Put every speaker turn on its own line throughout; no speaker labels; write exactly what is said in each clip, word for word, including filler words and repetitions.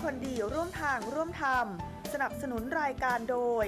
คนดีร่วมทางร่วมธรรมสนับสนุนรายการโดย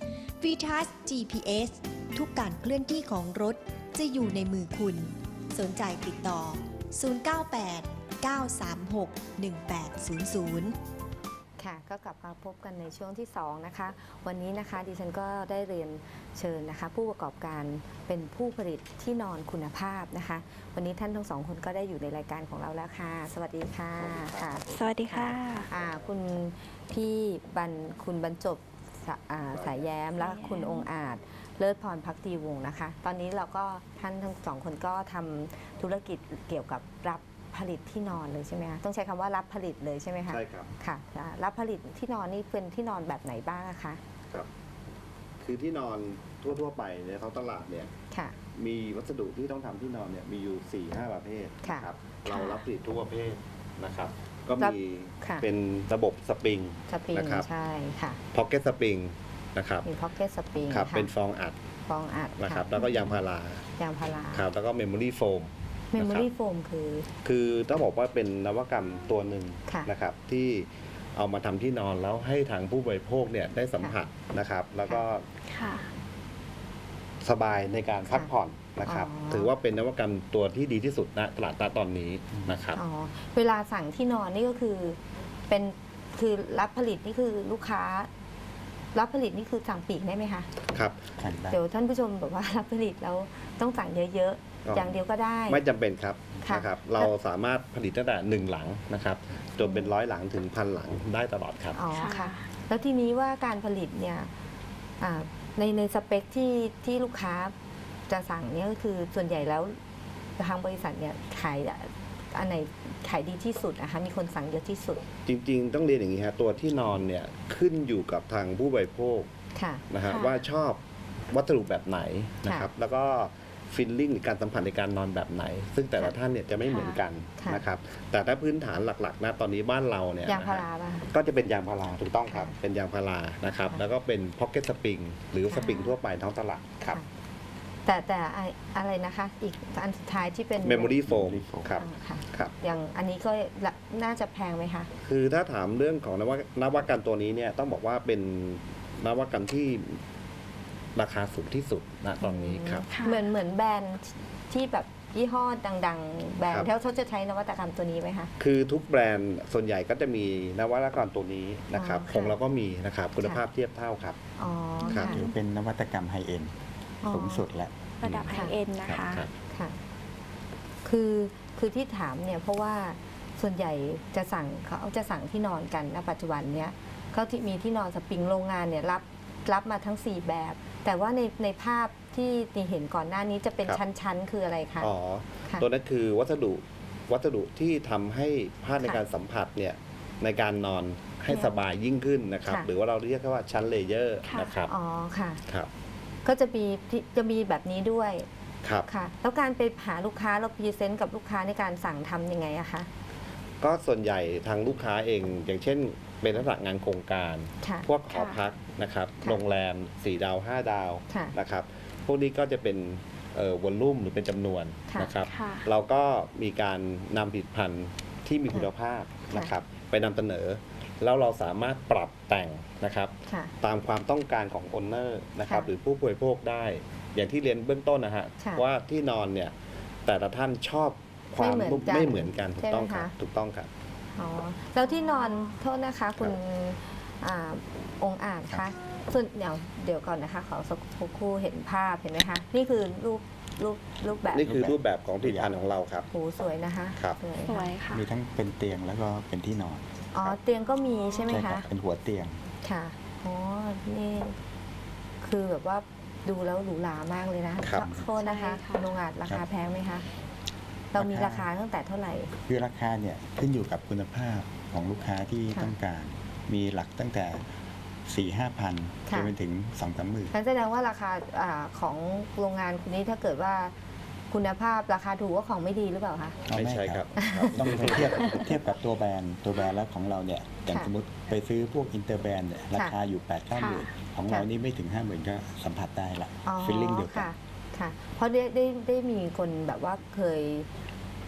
VTouch จี พี เอส ทุกการเคลื่อนที่ของรถจะอยู่ในมือคุณ สนใจติดต่อ ศูนย์ เก้า แปด เก้า สาม หก หนึ่ง แปด ศูนย์ ศูนย์
ค่ะก็กลับมาพบกันในช่วงที่สองนะคะวันนี้นะคะดิฉันก็ได้เรียนเชิญนะคะผู้ประกอบการเป็นผู้ผลิตที่นอนคุณภาพนะคะวันนี้ท่านทั้งสองคนก็ได้อยู่ในรายการของเราแล้วค่ะสวัสดีค่ะค่ะ
สวัสดีค่ะ
อ่าคุณพี่บรรคุณบรรจบสาอ่าสายแย้มและคุณองค์อาจเลิศพรพักดีวงศ์นะคะตอนนี้เราก็ท่านทั้งสองคนก็ทำธุรกิจเกี่ยวกับรับผลิตที่นอนเลยใช่ไหมคะต้องใช้คำว่ารับผลิตเลยใช่ไหมคะ
ใช่ครับ
ค่ะรับผลิตที่นอนนี่เป็นที่นอนแบบไหนบ้างอะคะ
ครับ คือที่นอนทั่วๆไปในท้องตลาดเนี่ย
ค่ะ
มีวัสดุที่ต้องทำที่นอนเนี่ยมีอยู่สี่ห้าประเภท
ค่ะ
นะครับเรารับผลิตทุกประเภทนะครับ ก็
รับ
มี
ค่ะ
เป็นระบบสปริง
สปริง
นะครับ
ใช่ค่ะ
พ็อกเก็ตสปริงนะครับ
มีพ็อกเก็ตสปริง
ครับเป็นฟองอัด
ฟองอัด
นะครับ
ค่ะ
แล้วก็ยางพารา
ยางพารา
ครับแล้วก็เมมโมรี่โฟม
เมมโมรี่โฟมคือ
คือต้องบอกว่าเป็นนวัตกรรมตัวหนึ่ง
ค่ะ
นะครับที่เอามาทำที่นอนแล้วให้ทางผู้บริโภคเนี่ยได้สัมผัสนะครับ แล้วก็
ค่ะ
สบายในการพักผ่อนนะครับ
อ๋อ
ถือว่าเป็นนวัตกรรมตัวที่ดีที่สุดณตลาดณตอนนี้นะครับ
อ๋อเวลาสั่งที่นอนนี่ก็คือเป็นคือรับผลิตนี่คือลูกค้า รับผลิตนี่คือสั่งปีกได้ไหมคะ
ครับ
เดี๋ยวท่านผู้ชมแบบว่ารับผลิตแล้วต้องสั่งเยอะ
อ๋อ
ๆ
อ
อย่างเดียวก็ได้
ไม่จำเป็นครับ
ค่ะ
นะครับ เราสามารถผลิตตั้งแต่หนึ่งหลังนะครับจนเป็นร้อยหลังถึงพันหลังได้ตลอดครับ
อ๋อ
ค่ะ
ค่ะ แล้วทีนี้ว่าการผลิตเนี่ยอ่าในในสเปคที่ที่ลูกค้าจะสั่งเนี่ยก็คือส่วนใหญ่แล้วทางบริษัทเนี่ยขายอันไหนขายดีที่สุดนะคะมีคนสั่งเยอะที่สุด
จริงๆ ต้องเรียนอย่างนี้ฮะตัวที่นอนเนี่ยขึ้นอยู่กับทางผู้บริโภค
ค่ะ
นะฮะ
ค่ะ
ว่าชอบวัสดุแบบไหนนะครับ แล้วก็ฟิลลิ่งหรือการสัมผัสในการนอนแบบไหน ซึ่งแต่ละท่านเนี่ยจะไม่เหมือนกัน
ค่ะ
นะครับแต่ถ้าพื้นฐานหลักๆนะตอนนี้บ้านเราเนี่ย
ยางพา
นะ
รา
ฮะ
ป่ะคะ
ก็จะเป็นยางพาราถูกต้องครับ
ค่ะ
เป็นยางพารานะครับ
ค่ะ
แล้วก็เป็นพ็อกเก็ตสปริงหรือ
ค่ะ
สปริงทั่วไปท้องตลาดครับ
ค่ะแต่แต่ไออะไรนะคะ อีกอันสุดท้ายที่เป็น
เมมโมรี่โฟมครับ
อ่าค่ะ
ครับ
อย่างอันนี้ก็ละน่าจะแพงไหมคะ
คือถ้าถามเรื่องของนวัตนวัตกรรมตัวนี้เนี่ยต้องบอกว่าเป็นนวัตกรรมที่ราคาสูงที่สุดณตอนนี้ครับ
ค่ะ
เหมือนเหมือนแบรนด์ที่แบบยี่ห้อดัง ๆ แบรน
ครั
ด์
บ
ที่เขาจะใช้นวัตกรรมตัวนี้ไหมคะ
คือทุกแบรนด์ส่วนใหญ่ก็จะมีนวัตกรรมตัวนี้นะครับ
อ๋อค่ะ
ของเราก็มีนะครับคุณ
ค่ะ
ภาพเทียบเท่าครับ
อ๋อ
ครั
ค่ะ
บ
ถือเป็นนวัตกรรมไฮเอ็น
อ๋อ
สูงสุดแล้ว
ระดับไฮเอ็นนะ
ครั
คะ
บครับ
ค่ะ คือคือที่ถามเนี่ยเพราะว่าส่วนใหญ่จะสั่งเขาจะสั่งที่นอนกันณปัจจุบันเนี้ยเขาที่มีที่นอนสปริงโรงงานเนี่ยรับรับมาทั้งสี่แบบ แต่ว่าในในภาพที่เห็นก่อนหน้านี้จะเป็น
ครับ
ชั้นๆ คืออะไรคะ
อ๋อ
ค่ะ
ตัวนั้นคือวัสดุวัสดุที่ทำให้ผ้าใน
ค่ะ
การสัมผัสเนี่ยในการนอนให้
ค่ะ
สบายยิ่งขึ้นนะครับ
ค่ะ
หรือว่าเราเรียกว่าชั้นเลเยอร์
ค่ะ
นะครับ
อ๋อค่ะ
ครับ
ก็จะมีที่จะมีแบบนี้ด้วย
ครับ
ค่ะ แล้วการไปหาลูกค้าเราพรีเซนต์กับลูกค้าในการสั่งทำยังไงอะคะ
ก็ส่วนใหญ่ทางลูกค้าเองอย่างเช่น เป็นลักษณะงานโครงการ
ค่ะ
พวกหอพักนะครับ
ค่ะ
โรงแรมสี่ดาวห้าดาว
ค่ะ
นะครับ พวกนี้ก็จะเป็นเอ่อวอลลุ่มหรือเป็นจำนวน
ค่ะ
นะครับ
ค่ะ
เราก็มีการนำผลิตภัณฑ์ที่มีคุณภาพ
ค่ะ
นะครับ ไปนำเสนอ แล้วเราสามารถปรับแต่งนะครับ
ค่ะ
ตามความต้องการของโอนเนอร์นะครับ
ค่ะ
หรือผู้บริโภคได้ อย่างที่เรียนเบื้องต้นนะฮะ
ค่ะ
ว่าที่นอนเนี่ยแต่ละท่านชอบความ
ไม่เหมือน
นุ่ม
กัน
ไม่เหมือนกันถู
ใช่
ก
ไหม
ต้องครับ
คะ
ถูกต้องครับ
อ๋อแล้วที่นอนโทษนะคะคุณอ่าองค์อาจคะส่วนเดี๋ยวเดี๋ยวก่อนนะคะขอสักครู่เห็นภาพเห็นไหมคะนี่คือรูปรูปรูปแบบ
นี่คือรูปแบบของผลิตภัณฑ์ของเราครับ
โหสวยนะคะ
ครับ
สวย
สว
ค่ะ
ยค่ะ
มีทั้งเป็นเตียงแล้วก็เป็นที่นอน
อ๋อเตียงก็มีใช่ไหม
ค
คะ
รัเป็นหัวเตียง
ค่ะอ๋อนี่คือแบบว่าดูแล้วหรูหรามากเลยนะครับ โทษนะคะ
ใช่ค่ะ
คุณองค์อาจราคาแพงไหมคะเรามีราคาตั้งแต่เท่าไหร่
คือราคาเนี่ยขึ้นอยู่กับคุณภาพของลูกค้าที่
ค่ะ
ต้องการ มีหลักตั้งแต่สี่ห้าพัน
ค่ะ
จนไปถึงสองสามหมื่น
งั้นแสดงว่าราคาอาของโรงงานคุณนี้ถ้าเกิดว่าคุณภาพราคาถูกว่าของไม่ดีหรือเปล่าคะ
ไม่ใช่ครับ
ต้องไปเทียบเทียบกับตัวแบรนด์ตัวแบรนด์แล้วของเราเนี่ยอย่าง
ค่ะ
สมมติไปซื้อพวกอินเตอร์แบรนด์เนี่ยราคาอยู่แปดเก้าหมื่นของเรานี่ไม่ถึงห้าหมื่นก็สัมผัสได้ละ
อ๋อ
ฟีลลิ่งเดียวกั
ค่ะ
น
ค่ะ เพราะได้ได้ได้มีคนแบบว่าเคย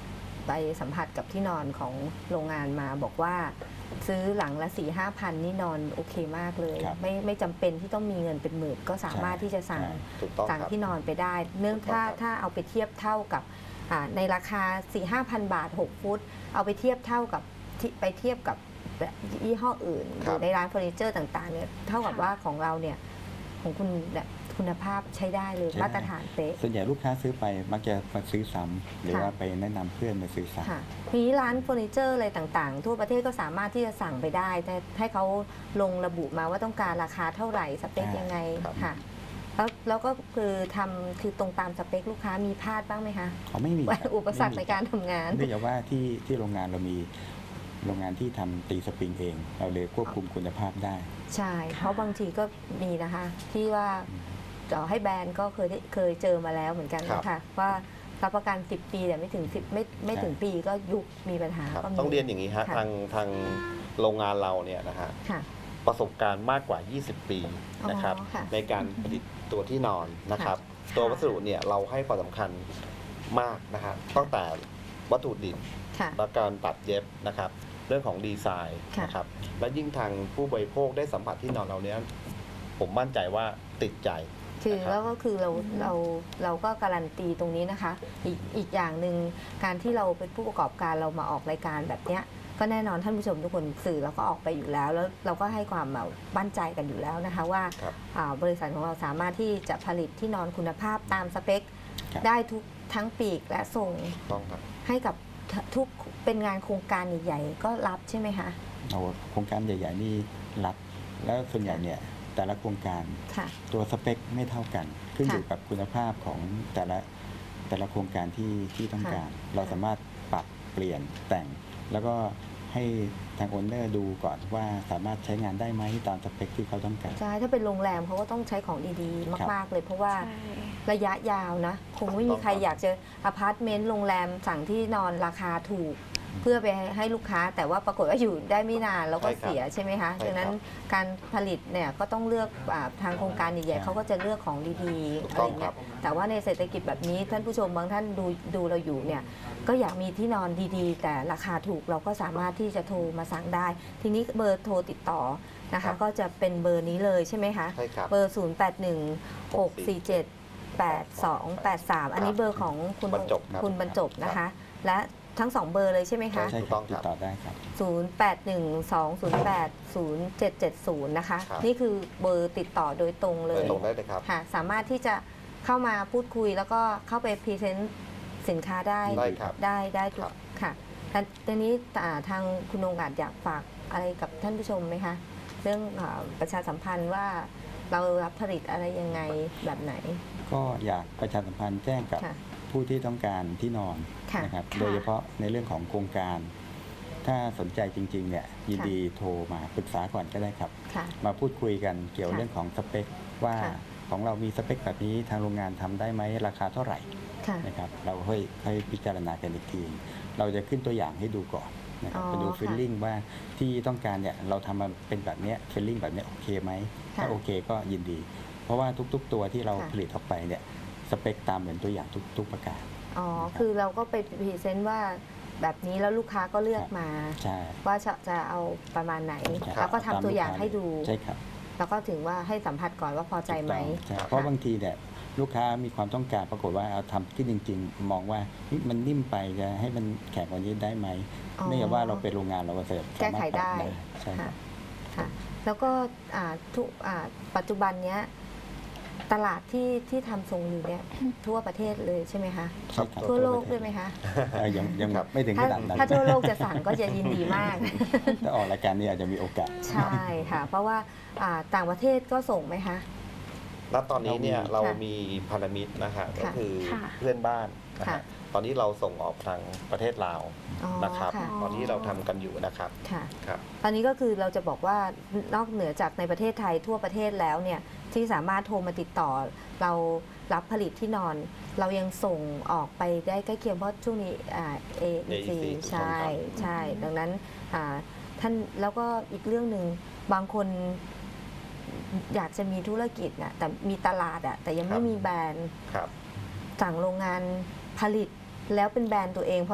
ไปสัมผัสกับที่นอนของโรงงานมาบอกว่าซื้อหลังละสี่ห้าพันนี่นอนโอเคมากเลย
ครับ
ไม่ไม่จำเป็นที่ต้องมีเงินเป็นหมื่นก็สามารถที่จะสั่ง
ใช่
ถูกต้อง
สั่ง
ครับ
ที่นอนไปได้ เนื่อง
ถูกต้
ถ้า
องครับ
ถ้าเอาไปเทียบเท่ากับอ่าในราคา สี่ห้าพัน บาท หก ฟุต เอาไปเทียบเท่ากับที่ไปเทียบกับยี่ห้ออื่นหรือในร้านเฟอร์นิเจอร์ต่างๆเนี่ยเท่ากับว่าของเราเนี่ยของคุณแบบคุณภาพใช้ได้เลย
ใช้ได้
มาตรฐานเป๊ะ
ส่วนใหญ่ลูกค้าซื้อไปมักจะมาซื้อซ้ำหรือ
ค่ะ
ว่าไปแนะนำเพื่อนมาซื้อซ้ำ
ค่ะทีนี้ร้านเฟอร์นิเจอร์อะไรต่างๆ ทั่วประเทศก็สามารถที่จะสั่งไปได้แต่ให้เขาลงระบุมาว่าต้องการราคาเท่าไหร่สเปค
อ่ายั
ยังไง
ครับ
ค่ะแล้วแล้วก็คือทำคือตรงตามสเปคลูกค้ามีพลาดบ้างไหมคะ
เขาไม่มีครับ
อุปสรรคใน
ไม่มี
การทำงาน
เนื่องจากว่าที่ที่โรงงานเรามีโรงงานที่ทำตีสปริงเอง เราเลยควบคุมคุณภาพได้
ใช่ เพราะบางทีก็มีนะคะ ที่ว่าต่อให้แบรนด์ก็เคยได้เคยเจอมาแล้วเหมือนกัน
ครับ
นะคะว่ารับประกันสิบปีแต่ไม่ถึงสิบไม่ไม่ถึงปีก็ยุบมีปัญหา
ครับ
ก็มี
ต้องเรียนอย่างนี้ฮะ
ค่ะ
ทางทางโรงงานเราเนี่ยนะฮะ
ค่ะ
ประสบการณ์มากกว่า ยี่สิบ ปีนะครับ
อ๋อค่ะ
ในการผลิตตัวที่นอนนะครับ
ค่ะ
ตัววัสดุเนี่ยเราให้ความสำคัญมากนะฮะตั้งแต่วัตถุดิบ
ค่ะ
และการตัดเย็บนะครับ เรื่องของดีไซน์
ค่ะ
นะครับ และยิ่งทางผู้บริโภคได้สัมผัสที่นอนเราเนี้ยผมมั่นใจว่าติดใจ
คือ
นะครับ
แล้วก็คือเราเราเราก็การันตีตรงนี้นะคะ อีกอีกอย่างหนึ่งการที่เราเป็นผู้ประกอบการเรามาออกรายการแบบเนี้ยก็แน่นอนท่านผู้ชมทุกคนสื่อเราก็ออกไปอยู่แล้ว แล้วเราก็ให้ความแบบมั่นใจกันอยู่แล้วนะคะว่า
ครับ
อ่าบริษัทของเราสามารถที่จะผลิตที่นอนคุณภาพตามสเปค
ครับ
ได้ทุกทั้งปีกและส่ง
ต้องครับ
ให้กับทุกเป็นงานโครงการใหญ่ๆก็รับใช่ไหมคะ
เอาโครงการใหญ่ๆนี่รับ แล้วส่วนใหญ่เนี่ยแต่ละโครงการ
ค่ะ
ตัวสเปคไม่เท่ากัน ขึ้น
ค่ะ
อยู่กับคุณภาพของแต่ละแต่ละโครงการที่ที่ต้อง
ค่ะ
การ เราสามารถปรับเปลี่ยนแต่ง แล้วก็ให้ทางโอนเนอร์ดูก่อนว่าสามารถใช้งานได้ไหมตามสเปคที่เขาต้องการ
ใช่ถ้าเป็นโรงแรมเขาก็ต้องใช้ของดีๆ มาก ๆ เลยเพราะว่า
ใช่
ระยะยาวนะ คงไม่มีใครอยากจะอพาร์ตเมนต์โรงแรมสั่งที่นอนราคาถูก เพื่อไปให้ลูกค้า แต่ว่าปรากฏว่าอยู่ได้ไม่นานแล้วก็
ใช่ครับ
เสียใช่ไหมคะ
ใช่ครับ
ดังนั้นการผลิตเนี่ยก็ต้องเลือกอาทางโครงการใหญ่ๆเขาก็จะเลือกของดีๆ
ถูก
อะไร
ต้องค
เงี้
รั
ย
บ
แต่ว่าในเศรษฐกิจแบบนี้ท่านผู้ชมบางท่านดูดูเราอยู่เนี่ยก็อยากมีที่นอนดีๆ แต่ราคาถูกเราก็สามารถที่จะโทรมาสั่งได้ ทีนี้เบอร์โทรติดต่อนะ
ครั
คะ
บ
ก็จะเป็นเบอร์นี้เลยใช่ไหมคะ
ใช่ครับ
เบอร์ ศูนย์ แปด หนึ่ง หก สี่ เจ็ด แปด สอง แปด สาม อันนี้เบอร์ของคุณ
บรรจบครับ
คุณบรรจบนะคะ และทั้งสองเบอร์เลยใช่ไหมคะ
ใช่
ถูก
ค
ต้
รั
อบ ง
ติ
ครั
ด
บ
ต่อได้ครับ
ศูนย์ แปด หนึ่ง สอง ศูนย์ แปด ศูนย์ เจ็ด เจ็ด ศูนย์ นะคะ
ครับ
นี่คือเบอร์ติดต่อโดยตรงเล
โด
ย
ยตรงได้เลยครับ
ค่ะ สามารถที่จะเข้ามาพูดคุยแล้วก็เข้าไปพรีเซนต์สินค้าได้
ได้ครับ
ได้ได้ทุ
ครั
ก
บ
ค่ะแต่ทีนี้อ่าทางคุณองค์อาจอยากฝากอะไรกับท่านผู้ชมไหมคะ เรื่องอาประชาสัมพันธ์ว่าเรารับผลิตอะไรยังไงแบบไหน
ก็อยากประชาสัมพันธ์แจ้งกับ
ค่ะ
ผู้ที่ต้องการที่นอน
ค่ะ
นะครับ
ค่ะ
โดยเฉพาะในเรื่องของโครงการ ถ้าสนใจจริงๆเนี่ยยิน
ค่ะ
ดีโทรมาปรึกษาก่อนก็ได้ครับ
ค่ะ
มาพูดคุยกันเกี่ยว
ค่ะ
เรื่องของสเปค ว่า
ค่ะ
ของเรามีสเปคแบบนี้ทางโรงงานทำได้ไหมราคาเท่าไหร่
ค่ะ
นะครับเราค่อยค่อยพิจารณากันอีกที เราจะขึ้นตัวอย่างให้ดูก่อนนะครับ
อ๋อ
ไปดู
ค่ะ
ฟิลลิ่งว่าที่ต้องการเนี่ยเราทำมาเป็นแบบเนี้ฟิลลิ่งแบบเนี้ยโอเคไหม
ค่ะ
ถ้าโอเคก็ยินดี เพราะว่าทุกๆ ตัวที่เรา
ค่ะ
ผลิตออกไปเนี่ยสเปคตามเหมือนตัวอย่างทุกทุกประการ
อ๋อ คือเราก็ไปพรีเซนต์ว่าแบบนี้แล้วลูกค้าก็เลือกมา
ใช่
ว่าจะจะเอาประมาณไหน
ครับ
แล้วก็ทำตัวอย่างให้ดู
ใช่ครับ
แล้วก็ถึงว่าให้สัมผัสก่อนว่าพอใจไหม
ถูกต้องใช่เพราะบางทีเนี่ยลูกค้ามีความต้องการปรากฏว่าเอาทำขึ้นจริง ๆ มองว่าเฮ้ยมันนิ่มไปจะให้มันแข็งกว่านี้ได้ไหม
อ๋อ
เนื่องจากว่าเราเป็นโรงงานเราก็จะ
แก้ไขได้
สามารถปรับใช่ค
ค่ะ
รับ
ค่ะ แล้วก็อ่าทุกอ่าปัจจุบันเนี้ยตลาดที่ที่ทำทรงอยู่เนี่ยทั่วประเทศเลยใช่ไหมคะ
ใช่ครับ
ทั่วโลกด้วยไหมคะ
เอ่อยังยัง
ครับ
ไม่ถึงข
ถ้า
นาดนั้น
ถ้าทั่วโลกจะสั่งก็จะยินดีมาก
ถ้าออกรายการนี้อาจจะมีโอกาส
ใช่ค่ะ เพราะว่าอ่าต่างประเทศก็ส่งไหมคะ
ณตอนนี้เนี่ย
เรา
เรา
มี
มีพันธมิตรนะฮะก็
ค่ะ
คือ
ค่ะ
เพื่อนบ้านนะ
ค่ะ
ฮะตอนนี้เราส่งออกทางประเทศลาว
อ๋อ
นะครับ
ค่ะ
ตอนนี้เราทำกันอยู่นะครับ
ค่ะ
ครับ
ตอนนี้ก็คือเราจะบอกว่านอกเหนือจากในประเทศไทยทั่วประเทศแล้วเนี่ยที่สามารถโทรมาติดต่อ เรารับผลิตที่นอน เรายังส่งออกไปได้ใกล้เคียงเพราะช่วงนี้อ่า เอ อี ซี
เอ อี ซี
ใช่
ถูกต้องครับ
ใช่ ดังนั้นอ่าท่านแล้วก็อีกเรื่องหนึ่งบางคนอยากจะมีธุรกิจนะแต่มีตลาดอะแต่ยังไม่มีแบรนด์
ครับ
สั่งโรงงานผลิตแล้วเป็นแบรนด์ตัวเอง เพราะว่า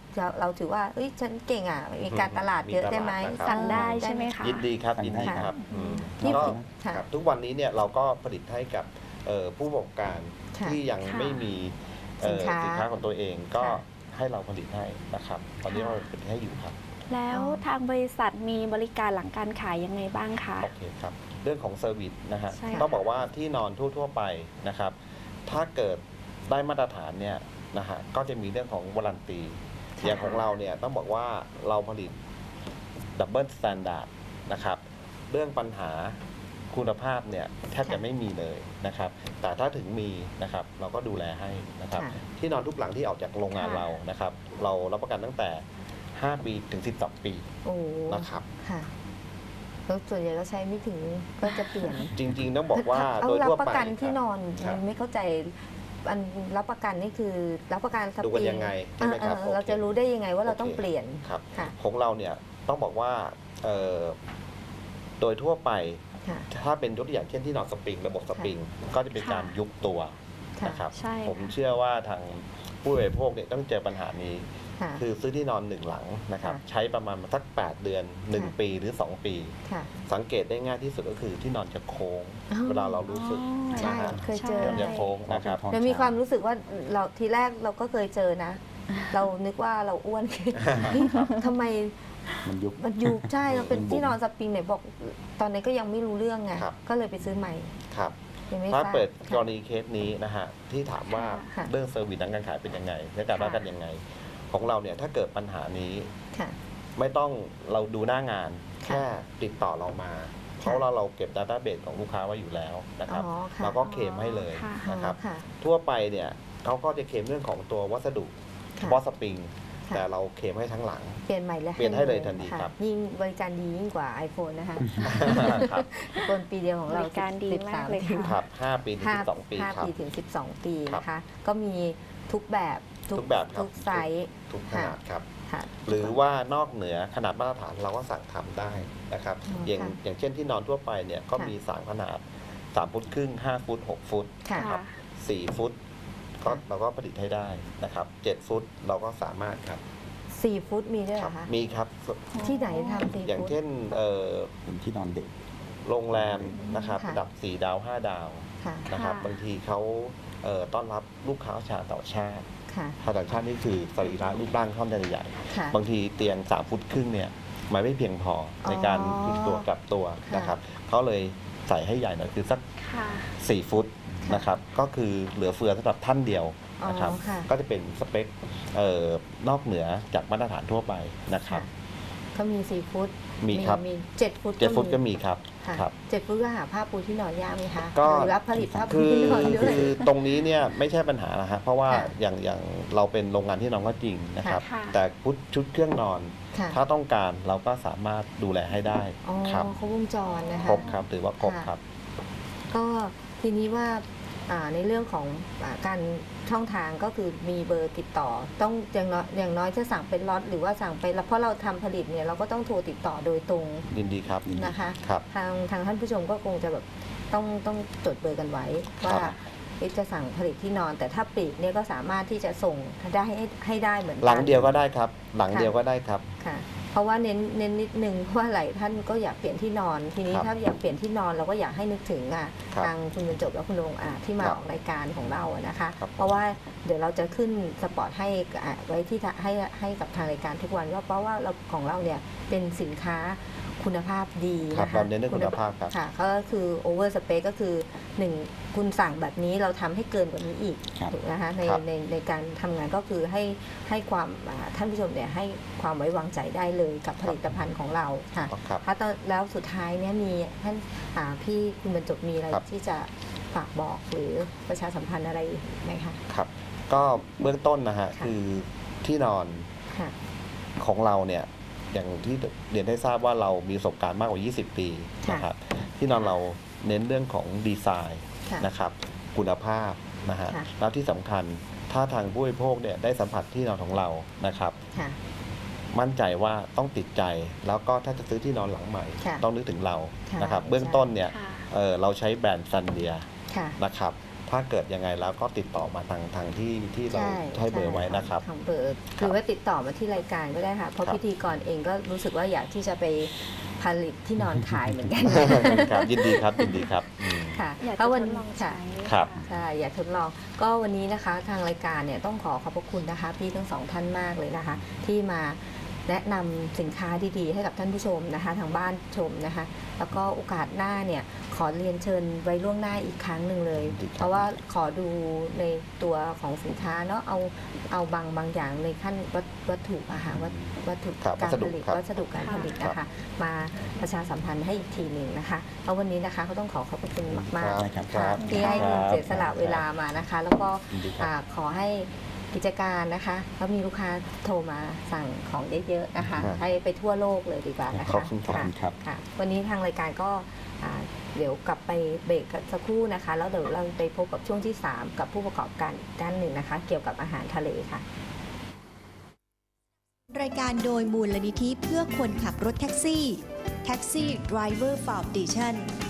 เราเราถือว่าเอ้ยฉันเก่งอ่ะมีการตลาดเยอะได้ไหม
มีตลาดนะครับ
สั่งได้ใช่ไหมคะ
ยินดีครับ
สั่ง
ยิน
ได้
ดีครับ
อืม
อืม
นี่
ก็
ค่ะ
ครับทุกวันนี้เนี่ยเราก็ผลิตให้กับเอ่อผู้ประกอบการ
ค่ะ
ที่ยัง
ค่ะ
ไม่มีเอ่อ
สินค้า
สินค้าของตัวเองก็
ค่ะ
ให้เราผลิตให้นะครับ ตอนนี้เราผลิตให้อยู่ครับ
แล้ว
อ๋อ
ทางบริษัทมีบริการหลังการขายยังไงบ้างคะ
โอเคครับ เรื่องของเซอร์วิสนะฮะ
ใช่ค่ะ
ต้องบอกว่าที่นอนทั่ว ๆ ไปนะครับ ถ้าเกิดได้มาตรฐานเนี่ยนะฮะก็จะมีเรื่องของวารันตี อย่างของเราเนี่ยต้องบอกว่าเราผลิตดับเบิลสแตนดาร์ดนะครับ เรื่องปัญหาคุณภาพเนี่ยแทบจะไม่มีเลยนะครับ แต่ถ้าถึงมีนะครับเราก็ดูแลให้นะครับ
ค่ะ
ที่นอนทุกหลังที่ออกจากโรงงาน
ค่ะ
เรานะครับ เรารับประกันตั้งแต่ ห้า ปีถึง สิบสอง ปี
โอ้
นะครับ
ค่ะแล้วส่วนใหญ่ก็ใช้ไม่ถึงก็จะเปลี่ยน
จริง ๆ ต้องบอกว่า
เอา
โดย
รับ
ทั่ว
ประ
ไป
กันที่นอน
ครับ
มันไม่เข้าใจอันรับประกันนี่คือรับประกันส
ดูกัน
ปริ
ยังไงใช่ไหมครับ
เออเออเรา
โอเค
จะรู้ได้ยังไงว่าเรา
โอเค
ต้องเปลี่ยน
ครับ
ค่ะ
ของเราเนี่ยต้องบอกว่าเอ่อโดยทั่วไป
ค่ะ
ถ้าเป็นยกตัวอย่างเช่นที่นอนสปริงระบบสปริงก็จะเป็นการ
ค่ะ
ยุบตัว
ค่ะ
นะครับ
ใช่
ผม
ค่ะ
เชื่อว่าทางผู้บริโภคเนี่ยต้องเจอปัญหานี้
ค่ะ
คือซื้อที่นอนหนึ่งหลังนะครับ
ค่ะ
ใช้ประมาณสัก แปด เดือน หนึ่ง
ค่ะ
ปีหรือ สอง ปี
ค่ะ
สังเกตได้ง่ายที่สุดก็คือที่นอนจะโค้ง
อ๋อ
เวลาเรารู้สึก
ใช่
นะฮะ
เคยเจอ
มันจะโค้งนะครับ
ท้อง
เรามี
ช้ง
ความรู้สึกว่าเราทีแรกเราก็เคยเจอนะ เรานึกว่าเราอ้วน ทำไม
มันยุบ
มันยุบใช่เราเป็น
มันบุ๋ม
ที่นอนสปริงไหนบอก ตอนนี้นก็ยังไม่รู้เรื่องไง
ครับ
ก็เลยไปซื้อใหม่
ครับ
ยังไม่ท
ถ้า
ราบ
เปิดก
ค่ะ
รณีเคสนี้นะฮะที่ถามว่า
ค่ะ
เรื่องเซอร์วิสทางการขายเป็นยังไงและการ
ค่ะ
รับกันยังไง ของเราเนี่ยถ้าเกิดปัญหานี้
ค่ะ
ไม่ต้องเราดูหน้างาน
ค่ะ
แค่ติดต่อเรามา เพราะเราเราเก็บ Database ของลูกค้าไว้อยู่แล้วนะครับ
อ๋อค่ะ
เราก็เคลมให้เลย
ค่ะ
นะครับ
ค่ะ
ทั่วไปเนี่ยเขาก็จะเคลมเรื่องของตัววัสดุเฉ
ค่ะ
พาะสปริง
ค่ะ
แต่เราเคลมให้ทั้งหลัง
เปลี่ยนใหม่เลย
เปลี่ยนให้เลยทันที
ะ
ครับ
ยิ่งบริการดียิ่งกว่า iPhone นะคะ
ครับ
iPhone ปีเดียวของเรา
บริการดี
สิบ
มาก
ส
เลยค่ะ
ครับห้าปีถึง
ห้า
สิบสองปี
ห้า
ครับ
ปีถึงสิบสองปี
ครับ
นะคะ ก็มีทุกแบบ
ทุกแบบครับ
ทุกไซส์
ทุกขนาดครับ
ค่ะ
หรือว่านอกเหนือขนาดมาตรฐานเราก็สั่งทำได้นะครับ
อ๋อ
อย่าง
ค่ะ
อย่างเช่นที่นอนทั่วไปเนี่ยก็
ค่ะ
มีสามขนาดสามฟุตครึ่งห้าฟุตหกฟุต
ค่ะ
นะครับ สี่ฟุตก็เราก็ผลิตให้ได้นะครับเจ็ดฟุตเราก็สามารถครับ
สี่ฟุตมีด้วยเห
ค
ร
รับ
อคะ
มีครับ
ที่ไหนทำสี่
อย่าง
ฟุต
เช่นเอ่อ
เป็นที่นอนเด็ก
โรงแรมนะครับ
ค่ะ
ระดับสี่ดาวห้าดาว
ค่ะ
นะครับ
ค่ะ
บางทีเขาเอ่อต้อนรับลูกค้าชาวต่างชาติ
ค่ะ
ชาวต่างชาตินี่คือสรีระรูปร่างค่อนข้างใหญ่
ค่ะ
บางทีเตียงสามฟุตครึ่งเนี่ยมันไม่เพียงพอในการ
อ๋อ
พลิกตัวกลับตัว
ค่ะ
นะครับเขาเลยใส่ให้ใหญ่หน่อยคือสัก
ค่ะ
สี่ฟุต
ค่ะ
นะครับก็คือเหลือเฟือสำหรับท่านเดียวนะครับ
อ๋อค่ะ
ก็จะเป็นสเปคเอ่อนอกเหนือจากมาตรฐานทั่วไปนะครับ
ก็มีสี่ฟุต
มีครับ
มีเจ็ดฟุต
เจ็ดฟุตก็มีครับ
ค่ะ
ครับ
เจ็ดฟุตก็หาผ้าปูที่นอนยากไหมคะ
ก็
หรือรับผลิตผ้าปู
คือ
ที่นอนด้วย
คือตรงนี้เนี่ยไม่ใช่ปัญหานะฮะเพราะว่า
ค่ะ
อย่างอย่างเราเป็นโรงงานที่นอนก็จริงนะครับ
ค่ะ
แต่ชุดชุดเครื่องนอน
ค่ะ
ถ้าต้องการเราก็สามารถดูแลให้ได้
อ๋อ
ครับ
เขาวงจรนะคะ
ครบครับถือว่าครบ
ค่ะ
ครับ
ก็ทีนี้ว่าอ่าในเรื่องของอาการช่องทางก็คือมีเบอร์ติดต่อ ต้องอย่างน้อยอย่างน้อยจะสั่งเป็นล็อตหรือว่าสั่งไปแล้วเพราะเราทำผลิตเนี่ยเราก็ต้องโทรติดต่อโดยตรง
ยินดีครับ
นะคะ
ครับ
ทางทางท่านผู้ชมก็คงจะแบบต้องต้องจดเบอร์กันไว้ ว่า
ครับ
เอ๊ะจะสั่งผลิตที่นอน แต่ถ้าปลีกเนี่ยก็สามารถที่จะส่งได้ให้ให้ได้เหมือนกัน
หลังเดียวก็ได้ครับ หลังเดียวก็ได้ครับ
ค่ะ เพราะว่าเน้นเน้นนิดนึงเพราะว่าหลายท่านก็อยากเปลี่ยนที่นอน ทีนี้
ครับ
ถ้าอยากเปลี่ยนที่นอนเราก็อยากให้นึกถึงอ่ะ
ครับ
ทางคุณบรรจบและคุณโรงอาจที่มา
ครับ
ออกรายการของเราอะนะคะ
ครับ
เพราะว่าเดี๋ยวเราจะขึ้นสปอตให้อ่ะไว้ที่ทะให้ให้กับทางรายการทุกวันว่าเพราะว่าเราของเราเนี่ยเป็นสินค้าคุณภาพดี
ครับ
นะคะ
เราเน้นเรื่องคุณภาพครับ
ค่ะก็คือ over space ก็คือหนึ่งคุณสั่งแบบนี้เราทำให้เกินกว่านี้อีก
ครับ
ถูกนะคะใน
ครับ
ในในการทำงานก็คือให้ให้ความอ่าท่านผู้ชมเนี่ยให้ความไว้วางใจได้เลยกับผลิตภัณฑ์ของเราค่ะ
ครับ
ถ้าตอนแล้วสุดท้ายเนี่ยมีท่านอ่าพี่คุณบรรจบมีอะไร
ครับ
ที่จะฝากบอกหรือประชาสัมพันธ์อะไรไหมคะ
ครับ ก็เบื้องต้นนะฮะ
ค่ะ
คือที่นอน
ค่ะ
ของเราเนี่ยอย่างที่เรียนได้ทราบว่าเรามีประสบการณ์มากกว่า ยี่สิบ ปี
ค่ะ
นะครับที่นอนเราเน้นเรื่องของดีไซน์
ค่ะ
นะครับคุณภาพนะฮะ
ค่ะ
แล้วที่สำคัญถ้าทางผู้บริโภคเนี่ยได้สัมผัสที่นอนของเรานะครับ
ค่ะ
มั่นใจว่าต้องติดใจแล้วก็ถ้าจะซื้อที่นอนหลังใหม่
ค่ะ
ต้องนึกถึงเรา
ค่ะ
นะครับ
ใช่
เบื้องต้นเนี่ย
ค่ะ
เอ่อเราใช้แบรนด์ซันเดีย
ค่ะ
นะครับถ้าเกิดยังไงแล้วก็ติดต่อมาทางทางที่ที่เรา
ใช่
ให้เบอร์ไว้นะครับ
ทางเบอร์หรือว่าติดต่อมาที่รายการก็ได้ค่ะเพราะ
ครับ
พิธีกรเองก็รู้สึกว่าอยากที่จะไปผลิตที่นอนขายเหมือนกัน
ครับยินดีครับยินดีครับอืม
ค่ะ
อยาก
เพ
จะ
ราะ
ท
วัน
ดลอง
ค่ะ
ใช้
ครับ
ใช่อยากทดลองก็วันนี้นะคะทางรายการเนี่ยต้องขอขอบพระคุณนะคะพี่ทั้งสองท่านมากเลยนะคะ ที่มาแนะนำสินค้าดีๆ ให้กับท่านผู้ชมนะคะทางบ้านชมนะคะ แล้วก็โอกาสหน้าเนี่ยขอเรียนเชิญไว้ล่วงหน้าอีกครั้งหนึ่งเลย
ดีครับ
เพราะว่าขอดูในตัวของสินค้าเนาะเอาเอาบางบางอย่างในขั้นวัตวัตถุอาหารวัตวัตถุ
ครับ
การ
วัสดุ
ผลิต
ครับ
วัสดุการผลิตนะคะ มาประชาสัมพันธ์ให้อีกทีหนึ่งนะคะเพราะวันนี้นะคะก็ต้องขอขอบพระคุณมากๆ
ครับ
ค่ะ
ครับ
ที่ให้
ครับ
เสียสละเวลามานะคะ แล้วก็
ยินดีครับ
อ่าขอให้กิจการนะคะแล้วมีลูกค้าโทรมาสั่งของเยอะๆนะคะ
ครับ
ให้ไปทั่วโลกเลยดีกว่านะคะ
ขอบคุณครับ
ะ
ครับ
ค่ะ วันนี้ทางรายการก็อ่าเดี๋ยวกลับไปเบรกกันสักครู่นะคะ แล้วเดี๋ยวเราไปพบกับช่วงที่ สาม กับผู้ประกอบการอีกด้านหนึ่งนะคะ เกี่ยวกับอาหารทะเลค่ะ
รายการโดยมูลนิธิเพื่อคนขับรถแท็กซี่ Taxi Driver Foundation